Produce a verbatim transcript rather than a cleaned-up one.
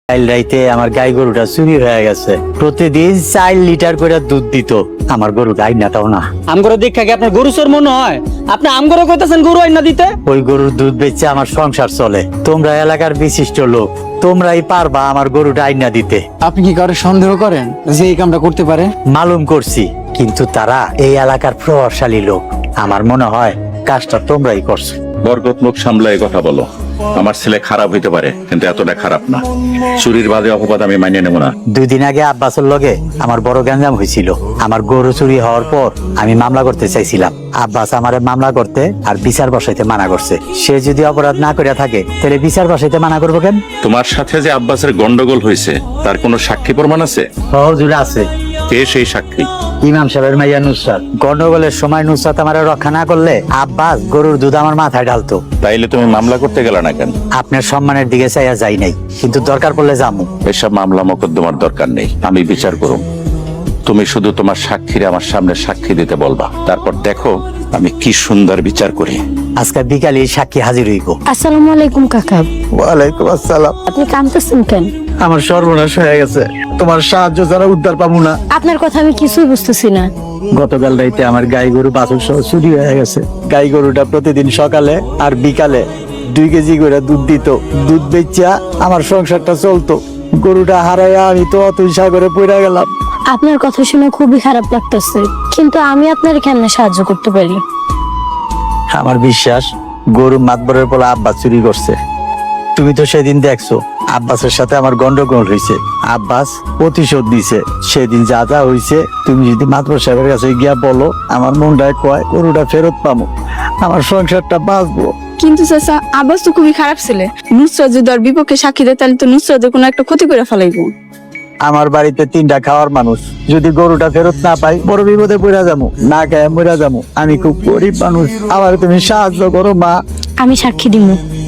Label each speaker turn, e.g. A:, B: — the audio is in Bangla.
A: কাল রাইতে আমার গাই গরুটা চুরি হয়ে গেছে। প্রতিদিন চার লিটার করে দুধ দিত। আমার গরু গাই নাটাও না।
B: আমগরে দেখা কি আপনার গরু চোর মনে হয়? আপনি আমগরে কইতাছেন গরু আইনা দিতে?
A: ওই গরুর দুধ বেচে আমার সংসার চলে। তোমরা এলাকার বিশিষ্ট লোক, তোমরাই পারবা আমার গরুটা আইনা দিতে।
C: আপনি কি কারো সন্দেহ করেন যে এই কামটা করতে পারে?
A: মালুম করছি, কিন্তু তারা এই এলাকার প্রভাবশালী লোক। আমার মনে হয় কাজটা তোমরাই করছো।
D: বরকত মুখ সামলায় কথা বলো। আমার ছেলে খারাপ হইতে পারে, কিন্তু এতটা খারাপ না। চুরির বাদে অপবাদ আমি মানিয়ে নেব না।
A: দুই দিন আগে আব্বাসের লগে আমার বড় গ্যাঞ্জাম হয়েছিল। আমার গরু চুরি হওয়ার পর আমি মামলা করতে চাইছিলাম। আব্বাস আমারে মামলা করতে আর বিচার বসাইতে মানা করছে। সে যদি অপরাধ না করে থাকে তাহলে বিচার বসাইতে মানা করবো কেন?
D: তোমার সাথে যে আব্বাসের গন্ডগোল হয়েছে তার কোনো সাক্ষী প্রমাণ আছে?
A: সহজুরে আছে।
D: কে সেই সাক্ষী?
A: ইমাম সাহেবের মাইয়া নুসরাত। গন্ডগোলের সময় নুসরাত আমার রক্ষা না করলে আব্বাস গরুর দুধ আমার মাথায় ঢালতো।
D: তাইলে তুমি মামলা করতে গেলে না কেন?
A: আপনার সম্মানের দিকে চাইয়া যাই নাই, কিন্তু দরকার পড়লে যাবো।
D: এসব মামলা মোকদ্দমার দরকার নেই, আমি বিচার করুম। তুমি শুধু তোমার সাক্ষীরে আমার সামনে সাক্ষী দিতে বলবা, তারপর দেখো আমি কি সুন্দর বিচার করি।
A: আজকে বিকালে সাক্ষী হাজির হইব।
E: আসসালামু আলাইকুম কাকা।
A: ওয়ালাইকুম আসসালাম।
E: আপনি কাঁদতেছেন কেন?
A: আমার সর্বনাশ হয়ে গেছে, তোমার সাহায্য ছাড়া উদ্ধার পাবো না।
E: আপনার কথা আমি কিছুই বুঝতেছি না।
A: গতকাল রাইতে আমার গাই গরু বাছুর সহ চুরি হয়ে গেছে। গাই গরুটা প্রতিদিন সকালে আর বিকালে দুই কেজি করে দুধ দিত। দুধ বেচা আমার সংসারটা চলতো। গরুটা হারাইয়া আমি তো অতুল সাগরে পড়ে গেলাম।
E: আপনার কথা শুনে খুবই খারাপ লাগতেছে, কিন্তু আমি আপনার কেমনে সাহায্য করতে পারি?
A: আমার বিশ্বাস গরু মাতবরের পোলা আব্বাস চুরি করছে। তুমি তো সেদিন দেখছো আব্বাসের সাথে আমার গন্ডগোল হয়েছে। আব্বাস প্রতিশোধ দিছে। সেদিন যা যা হয়েছে তুমি যদি মাতবর সাহেবের কাছে গিয়া বলো, আমার মনটায় কয় গরুটা ফেরত পাবো, আমার সংসারটা বাঁচবো।
F: কিন্তু চাচা, আব্বাস তো খুবই খারাপ ছেলে। নুসরাত যদি ওর বিপক্ষে সাক্ষী দেয় তাহলে তো নুসরাতের কোনো একটা ক্ষতি করে ফেলাইবো।
A: আমার বাড়িতে তিনটা খাওয়ার মানুষ, যদি গরুটা ফেরত না পাই বড় বিপদে পড়া যাবো, না খায় মরা যাবো। আমি খুব গরিব মানুষ, আমার তুমি সাহায্য করো মা।
E: আমি সাক্ষী দিব।